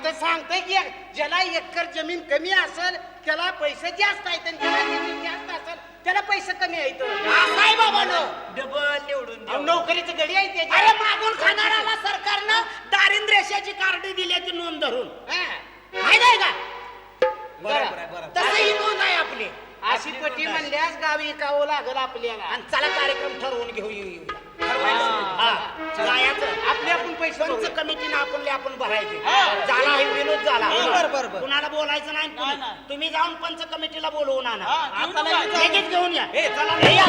तर सांगतोय की ज्याला एकर जमीन कमी असेल त्याला पैसे जास्त आहेत आणि ज्याला जमीन जास्त असेल त्याला पैसे कमी आहेत. काय बाबा डबल निवडून द्या. नोकरीचं गडी आहे त्याच्या. अरे मागून खाणाऱ्याला सरकारनं दारिद्र्य रेषेची कार्ड दिल्याची नोंद धरून माहित आहे का? बरं. तसं ही नोंद आहे आपली. अशी पटी म्हणल्यास गावी विकावं लागल आपल्याला. आणि चला कार्यक्रम ठरवून घेऊ येऊ हा. जायचं आपले आपण पैसे पंच भरू. कमिटीनं आपण भरायचे. हा. झाला हे विनोद झाला. बरं. कुणाला बोलायचं नाही नाही. तुम्ही जाऊन पंच कमिटीला बोलवून आणा. आता लगेच लगेच घेऊन या. ए, चला. हे या.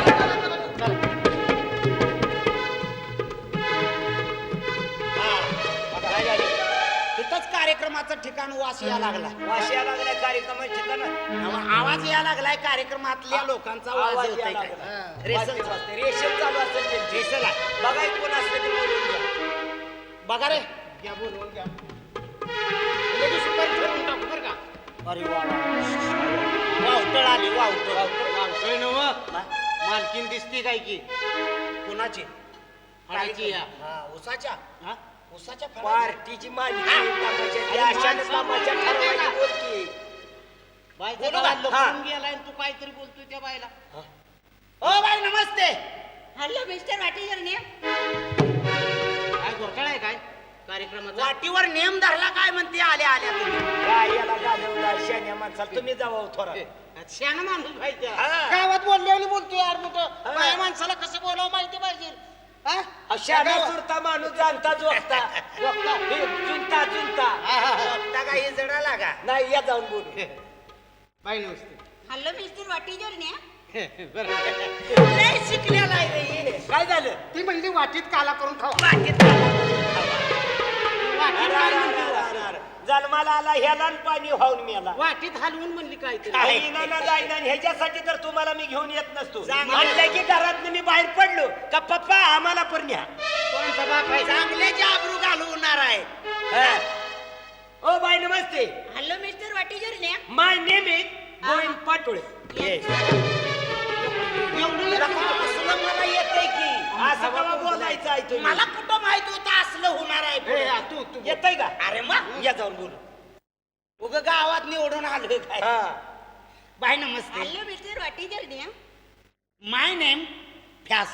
काय झालं? तिथंच कार्यक्रमाचं ठिकाण वास या लागला. वाशिया लागल्या कार्यक्रमाच्या ठिकाण आवाज या लागलाय कार्यक्रमातल्या लोकांचा आवाज येतोय काय? रेसल रेशन चालू असेल त्यांची. रेसल आहे. बघा एक कोण असलं ते बोलून घ्या. बघा रे. घ्या बोलवून घ्या. लगेच सुपारी ठरवून टाकू बरं का. अरे वा वावटळ आली वावटळ. वावतोय नव्ह. मालकीन दिसती काय की कुणाची? हळाची या. हा, उसाच्या हा? उसाच्या पार्टीची मालिका तमाशा ठरवायची बोलकी. बाईचा बोलू गळा का? लपवून गेलाय आणि तू काहीतरी बोलतोय त्या बाईला. O by Namaste. Hello mister वाटेकरने काय घोटाळा आहे काय कार्यक्रमाचा? वाटीवर नेम धरला काय म्हणते आल्या आल्या तुम्ही. काय याला घालवला शान्या माणसाला तुम्ही जावा थोडा. शहाणा माणूस पाहिजे. हा. गावात बोलले बोलतोय यार मोठं. बाया माणसाला कसं बोलावं माहिती पाहिजे. हा? शान्या सुरता माणूस जाणता जोगता. बघता. हे चुनता बघता का हे जडा लागा. नाही या जाऊन बोलू. बाई नमस्ते. हॅलो मिस्टर वाटेकरने बरं. लय शिकलेला आहे रे हे. काय झालं? ती म्हणली वाटीत काला करून खावा. वाटीत वाटीत काय म्हणते? जन्माला आला ह्याला न पाणी वाहून मेला. वाटीत हलवून म्हणली काहीतरी. येईना ना जाईना आणि ह्याच्यासाठी तर तुम्हाला मी घेऊन येत नसतो. चांगलं. म्हणलं की घरात मी बाहेर पडलो का पप्पा आम्हाला पण न्या. कोणचा बाप आहे? चांगल्याचे आबरू घालवणार आहे. हा. ओ बाय नमस्ते. हॅलो मिस्टर वाटेकरने my name is Govind Patole. एवढं येतं का? असलं मला येतंय की. असं कवा बोलायचं आहे तुम्ही? मला कुठं माहित होतं असलं होणार आहे ए, पुढे. हा, तू येतंय का? अरे मग या जाऊन बोलू. उग गावात निवडून आलोय काय. हा. बाय नमस्ते. हॅलो मिस्टर वाटेकरने माय नेम फ्यास.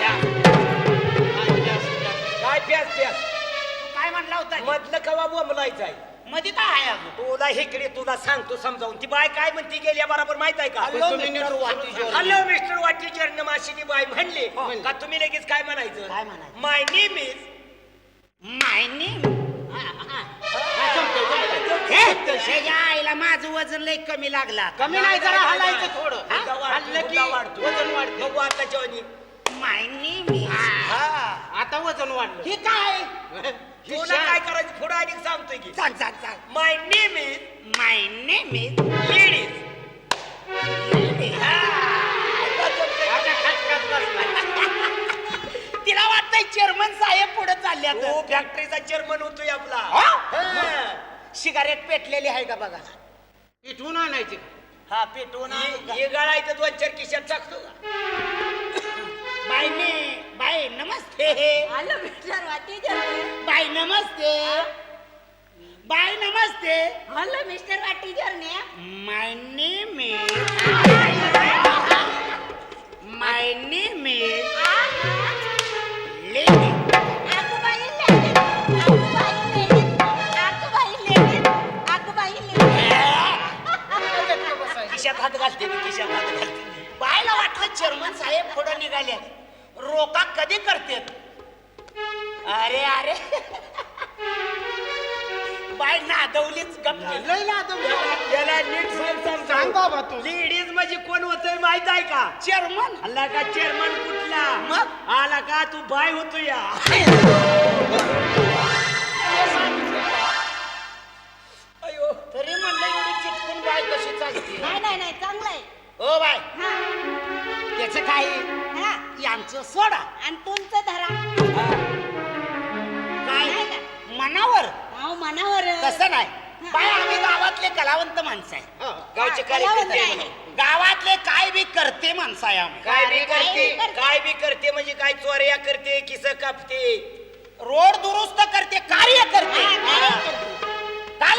काय प्यास प्यास तू काय म्हणला होता? मधलं कवा बोंबलायचं आहे? मध्ये काय आहे अजून? तुला इकडे तुला सांगतो समजावून. ती बाय काय म्हणती गेल्या बरोबर माहित आहे का? हॅलो तुम्ही मिस्टर नीट वाटेकर. हॅलो मिस्टर वाटीचर नमाशीनी बाय म्हणले म्हणले. का तुम्ही लगेच काय म्हणायचं? काय म्हणायचं? My name is my name. हे त्याच्या आईला माझं वजन लय कमी लागला. कमी नाही जरा हलायचं थोडं. हा? हल्लं की वाढतो. वजन वाढतं. बघू आता जेवणी. माय नेम इज. आता वजन वाढलं. हे काय? तुला काय करायचं पुढे आणि सांगतोय की सांग सांग सांग. My name is my name is. Ladies. आता खटखट बसला. तिला वाटतंय चेअरमन साहेब पुढे चालले तो फॅक्टरीचा चेअरमन होतोय आपला. हा? हा. सिगारेट पेटलेली आहे का बघा. इथून आणायची. हा पेटवून हे गळायचं 2-4 खिशात टाकतो का? बाय नमस्ते. हॅलो मिस्टर वाटेकरने बाय नमस्ते. बाय नमस्ते. हॅलो मिस्टर वाटेकरने my name is. My name is lady. आगुबाई लेडीज आगुबाई लेडीज आगुबाई लेडीज खिशात हात घालते मी, खिशात हात घालते. बायला वाटलं चेअरमन साहेब पुढे निघाले. रोका कधी करतेत? अरे अरे बाय नादवलीच गप्प. लय लादवलं. त्याला नीट सांग बाबा तू. लेडीज म्हणजे कोण होतोय माहित आहे का? चेअरमन आला का चेअरमन कुठला? मग? आला का तू बाय होतो या. अयो तरी म्हणलं एवढी चिटकून बाय कशी चालते? नाही चांगलं आहे. ओ बाय हा त्याचं काय हा यांचं सोडा. आणि तुमचं धरा काय नाही का? मनावर अहो मनावर तसं नाही. बाय आम्ही गावातले कलावंत माणसं आहे. हा. गावचे कलावंत कार्यकर्ते आहे. गावातले काय बी करते माणसं आहे आम्ही. काय बी काय करते बी करते. काय बी करते म्हणजे काय चोऱ्या करते किस कापते. रोड दुरुस्त करते कार्य करते. हा, कार्य करते. काल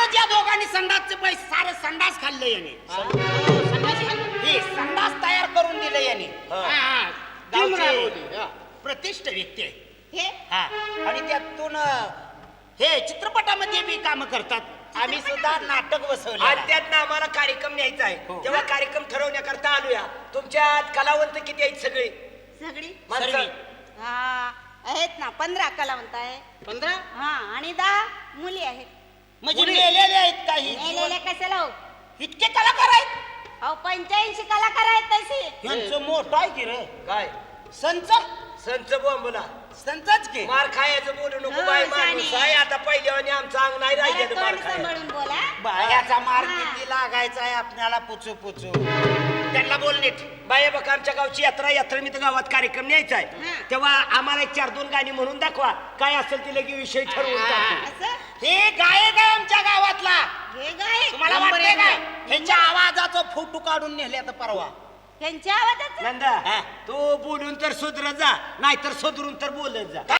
संडासचे पैसे सारे संडास खाल्ले याने संडास खाल्लं. हे संडास तयार करून दिले याने हा, हा. टीम गावचे राबवली, हा. प्रतिष्ठ व्यक्ती आहे हे हा आणि त्यातून हे चित्रपटामध्ये बी काम करतात आम्ही सुद्धा नाटक बसवले आणि त्यात ना आम्हाला कार्यक्रम न्यायचा आहे तेव्हा कार्यक्रम ठरवण्याकरता आलोया तुमच्यात कलावंत किती आहेत सगळे सगळी माणसं हा आहेत ना 15 कलावंत आहे 15 हा आणि 10 मुली आहेत म्हणजे मेलेले आहेत काही मेलेले कशाला हो इतके कलाकार आहेत अहो 85 कलाकार आहेत तशी यांचं मोठं आहे की रे काय संच संच बोंबला संचच की मार खायचं बोलू नको हो, बाय शाने. माणूस आहे आता पहिल्यावानी आमचं अंग नाही जरा राहिलं मार तोंड खायला सांभाळून बोला बायाचा मार हा. किती लागायचा आहे आपल्याला पुचू पुचू त्यांना बोल नीट बाया बघा आमच्या गावची यात्रा मी तर गावात कार्यक्रम न्यायचा आहे हा. तेव्हा आम्हाला एक 4-2 गाणी म्हणून दाखवा काय असेल ते लगे विषय ठरवून टाकू. असं हे गायक आहे आमच्या गावातला हे गाय तुम्हाला नंबर वाटतंय एक काय गाय. ह्यांच्या आवाजाचा फोटो काढून नेले आता परवा त्यांच्या आवाजात नंदा हा. तू बोलून तर सुधरत जा नाहीतर सुधरून तर बोलत जा